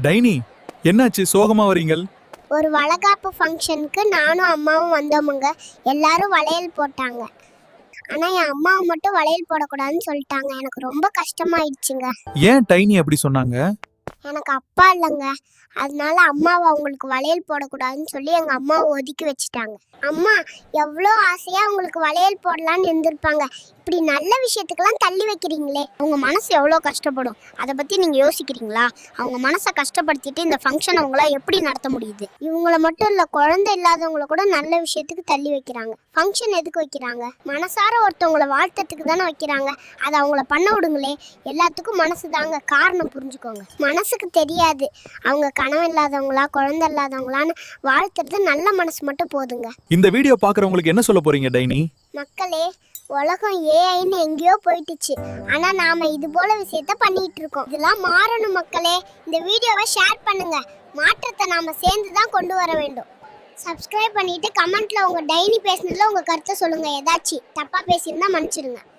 Tiny, என்னாச்சு சோகமா வரீங்கள்? ஒரு வளகாப்பு ஃபங்க்ஷனுக்கு நானும் அம்மாவும் வந்தோமுங்க. எல்லாரும் வளையல் போட்டாங்க. ஆனா என் அம்மாவை மட்டும் வளையல் போடக்கூடாதுன்னு சொல்லிட்டாங்க. எனக்கு ரொம்ப கஷ்டமாயிடுச்சுங்க. ஏன் டைனி அப்படி சொன்னாங்க? எனக்கு அப்பா இல்லைங்க. அதனால அம்மாவை அவங்களுக்கு வளையல் போடக்கூடாதுன்னு சொல்லி எங்கள் அம்மாவை ஒதுக்கி வச்சுட்டாங்க. அம்மா எவ்வளோ ஆசையாக அவங்களுக்கு வளையல் போடலான்னு இருந்திருப்பாங்க. இப்படி நல்ல விஷயத்துக்கெல்லாம் தள்ளி வைக்கிறீங்களே. அவங்க மனசு எவ்வளோ கஷ்டப்படும், அதை பற்றி நீங்கள் யோசிக்கிறீங்களா? அவங்க மனசை கஷ்டப்படுத்திட்டு இந்த ஃபங்க்ஷன் அவங்கள எப்படி நடத்த முடியுது? இவங்கள மட்டும் இல்லை, குழந்தை இல்லாதவங்கள கூட நல்ல விஷயத்துக்கு தள்ளி வைக்கிறாங்க. ஃபங்க்ஷன் எதுக்கு வைக்கிறாங்க? மனசார ஒருத்தவங்களை வாழ்த்தத்துக்கு தானே வைக்கிறாங்க. அதை அவங்கள பண்ண விடுங்களே. எல்லாத்துக்கும் மனசு தாங்க காரணம், புரிஞ்சுக்கோங்க. மனசுக்கு தெரியாது அவங்க கனவு இல்லாதவங்களா குழந்தை இல்லாதவங்களான்னு. வாழ்த்துறது நல்ல மனசு மட்டும் போதுங்க. இந்த வீடியோ பார்க்குறவங்களுக்கு என்ன சொல்ல போறீங்க டைனி? மக்களே, உலகம் ஏஐன்னு எங்கேயோ போயிட்டுச்சு. ஆனா நாம இது போல விஷயத்த பண்ணிட்டு இருக்கோம். இதெல்லாம் மாறணும் மக்களே. இந்த வீடியோவை ஷேர் பண்ணுங்க. மாற்றத்தை நாம சேர்ந்து தான் கொண்டு வர வேண்டும். சப்ஸ்கிரைப் பண்ணிட்டு கமெண்ட்ல உங்க டைனி பேசினதுல உங்க கருத்தை சொல்லுங்க. ஏதாச்சும் தப்பா பேசியிருந்தா மன்னிச்சிடுங்க.